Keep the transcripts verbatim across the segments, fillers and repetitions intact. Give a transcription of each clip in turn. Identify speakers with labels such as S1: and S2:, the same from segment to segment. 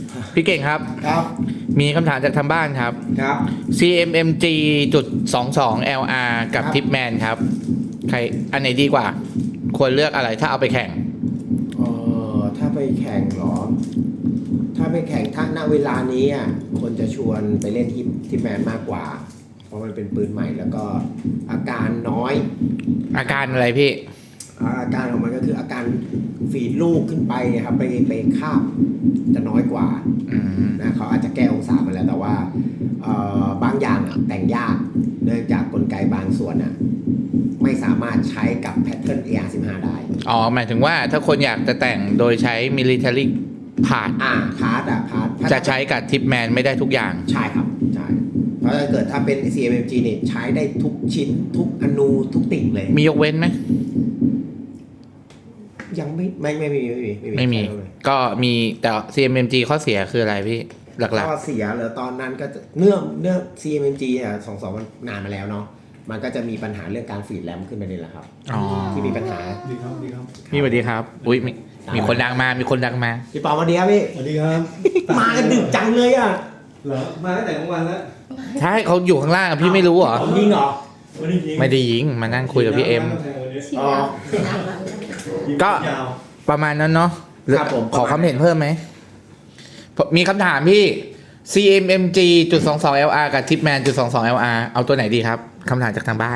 S1: พี่เก่งครับ
S2: ครับ
S1: มีคำถามจากทางบ้านครับ
S2: ครับ
S1: ซี เอ็ม เอ็ม จี จุด สองสอง แอล อาร์ กับ
S2: ครับ
S1: Tipman ครับ ใครอันไหนดีกว่า ควรเลือกอะไรถ้าเอาไปแข่ง
S2: เออถ้าไปแข่งเหรอ ถ้าไปแข่งถ้าณเวลานี้อ่ะคนจะชวนไปเล่นที่ที่แมนมากกว่า เพราะมันเป็นปืนใหม่แล้วก็อาการน้อย
S1: อาการอะไรพี่
S2: อาการของมันก็คืออาการฝีดลูกขึ้นไปครับไปไปคาบจะน้อยกว่า
S1: อืม
S2: นะเขาอาจจะแก้องศามาแล้วแต่ว่าเอ่อบางอย่างอะแต่งยากเนื่องจากกลไกบางส่วนอ่ะไม่สามารถใช้กับแพทเทิร์น เอ อาร์ สิบห้า ได้
S1: อ๋อ หมายถึงว่าถ้าคนอยากจะแต่งโดยใช้ military part
S2: อ่าพาร์ทอะพาร์ท
S1: จะใช้กับ Tipman ไม่ได้ทุกอย่าง
S2: ใช่ครับใช่เพราะถ้าเกิดถ้าเป็น ซี เอ็ม เอ็ม จี เนี่ยใช้ได้ทุกชิ้นทุกอนูทุกติ่งเลย
S1: มียกเว้นไหม
S2: ยังไม่ไม่ไม่มีไม่มี
S1: ไม่มี
S2: ใช่เลย
S1: ก็มีแต่ ซี เอ็ม เอ็ม จี ข้อเสียคืออะไรพี่ หลัก
S2: ข้อเสียเหรอตอนนั้นก็จะเนื่องเนื่อง ซี เอ็ม เอ็ม จี อ่ะสองสองมันนานมาแล้วเนาะมันก็จะมีปัญหาเรื่องการฟีดแรมขึ้นไปนี่แหละครับ
S1: ๆ อ๋อ
S2: ที่มีปัญหา
S3: ดีครับดีครับ
S1: พี่สวัสดีครับ อุ้ยมีมีคนดังมา มีคนดังมา
S2: พี่ปอมาดีครับพี่
S3: สวัสดีครับ
S2: มากันดึกจังเลยอ่ะ
S3: เหรอมาตั้งแต่กลางวันแล้ว
S1: ใช่เขาอยู่ข้างล่างอะพี่ไม่รู้เหรอ
S2: ผมยิงเหรอ
S3: วันนี้ยิง
S1: ไม่ได้ยิง มานั่งคุยกับพี่เอ็ม
S4: ฉีด
S2: อ๋อ
S4: น้ำน้ำ
S3: ยิง
S1: ก็
S3: ยาว
S1: ประมาณนั้นเนาะ
S2: ครับผม
S1: ขอความเห็นเพิ่มไหม มีคำถามพี่ ซี เอ็ม เอ็ม จี จุด สองสอง แอล อาร์ กับ Tipman จุด สองสอง แอล อาร์ เอาตัวไหนดีครับคำถามจากทางบ้าน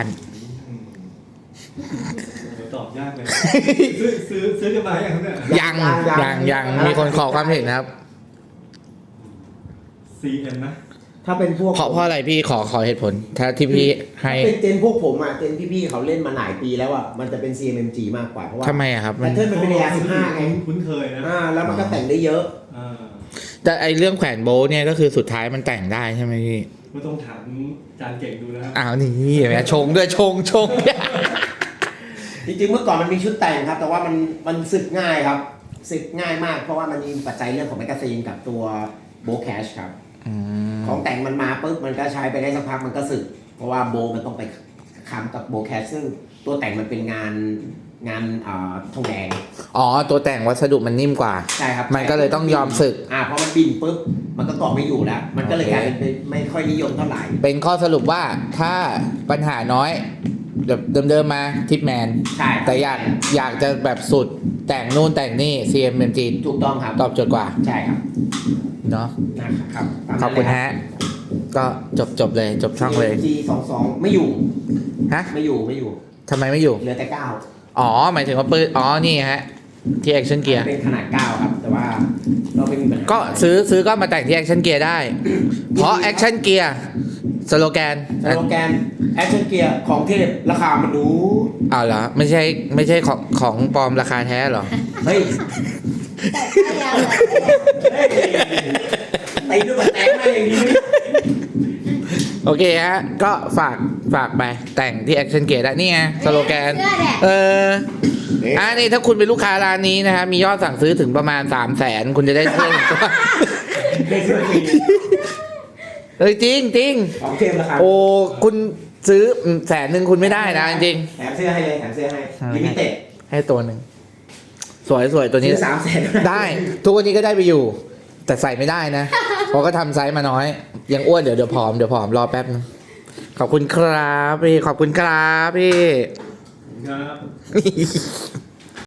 S3: เดี๋ยวตอบยากเลยซื้อซื้อซื้อกันมาอย่างครับเนี่ย
S1: ยังยังยังมีคนขอความเห็นครับ
S3: ซีเอ็มนะ
S2: ถ้าเป็นพวก
S1: ขอเพราะอะไรพี่ขอขอเหตุผล ถ้าที่พี่ให้
S2: ถ้าเป็นเจนพวกผมอ่ะเจนพี่ๆเขาเล่นมาหลายปีแล้วอ่ะมันจะเป็น ซี เอ็ม เอ็ม จี มากกว่าเพราะว่า
S1: ทำไมอะครับ
S2: แพ
S1: มัน
S2: ทเทิร์นมันเป็น เอ อาร์ สิบห้า ไง
S3: คุ้นเคยนะ
S2: อ่าแล้วมันก็แต่งได้เยอะ
S3: อ่า
S1: แต่ไอเรื่องแขวนโบว์เนี่ยก็คือสุดท้ายมันแต่งได้ใช่ไหมพี่
S3: ก็ต้องถามอาจารย์เก่งดูนะครับ
S1: อ้าวนี่เห็นไหมชงด้วยชงชง
S2: จริงๆเมื่อก่อนมันมีชุดแต่งครับ แต่ว่ามันมันสึกง่ายครับสึกง่ายมากเพราะว่ามันมีปัจจัยเรื่องของแมกกาซีนกับตัวโบแคชครับ
S1: อืม
S2: ของแต่งมันมาปุ๊บมันก็ใช้ไปได้สักพักมันก็สึก เพราะว่าโบมันต้องไปค้ำกับโบแคชซึ่งตัวแต่งมันเป็นงานงานอ่าทองแดง
S1: อ๋อตัวแต่งวัสดุมันนิ่มกว่า
S2: ใช่ครับ
S1: มันก็เลยต้องยอมสึก
S2: อ่าเพราะมันบินปุ๊บมันก็เกาะไม่อยู่แล้ว มันก็เลย
S1: โอเค
S2: กลายเป็นเป็นไม่ค่อยนิยมเท่าไหร่
S1: เป็นข้อสรุปว่าถ้าปัญหาน้อยแบบเดิมๆมาทิปแมน
S2: ใช่
S1: แต่อยากอยากจะแบบสุดแต่งนู่นแต่งนี่ ซี เอ็ม เอ็ม จี
S2: ถูกต้องครับ
S1: ตอบโจทย์กว่า
S2: ใช่ครับ
S1: เนาะ
S2: นะครับตาม
S1: ขอบคุณ
S2: นั้นเลย
S1: ฮะ ก็จบจบเลยจบช่องเลย
S2: จีสองสองไม่อยู่
S1: ฮะ
S2: ไม่อยู่ไม่อยู่
S1: ทำไมไม่อยู่
S2: เหลือแต่เก้า
S1: อ๋อ หมายถึงว่าปืนอ๋อ นี่ฮะ ที่ Action Gear
S2: เป็นขนาดเก้าครับ แต่ว่าเราไม่มีปัญหา
S1: ก็ซื้อซื้อก็มาแต่งที่ Action Gear ได้ เพราะ Action Gear สโลแกน
S2: สโลแกนแอคชั่นเกียร์ของเทพราคามันดู
S1: อ้าวเหรอ ไม่ใช่ไม่ใช่ของของปลอมราคาแท้เหรอ
S2: เฮ้ย
S4: แต่ถ้ายาว
S2: เฮ้ยตีด้วยบัตรแตกมาอย่างนี้
S1: โอเคฮะ ก็ฝากฝากไปแต่งที่ Action Gear ได้ นี่ไงสโลแกน เออ อ่านี่ถ้าคุณเป็นลูกค้าร้านนี้นะฮะมียอดสั่งซื้อถึงประมาณสามแสนคุณจะได้เสื้อหนึ่งตัว
S2: ได้เสื้อฟรี
S1: เฮ้ยจริงจริง
S2: ของเทพราคา
S1: โอ้คุณซื้อแสนหนึ่งคุณไม่ได้นะจริง
S2: แถมเสื้อให้เลยแถมเสื้อให้ลิมิเต็ด
S1: ให้ตัวหนึ่งสวยสวยตัวนี้
S2: ซื้อสามแสน
S1: ได้ ทุกวันนี้ก็ได้ไปอยู่ แต่ใส่ไม่ได้นะ เพราะก็ทำไซส์มาน้อย ยังอ้วนเดี๋ยวเดี๋ยวผอมเดี๋ยวผอมรอแป๊บนึงขอบคุณครับพี่ขอบคุณครับพี่
S3: ครับ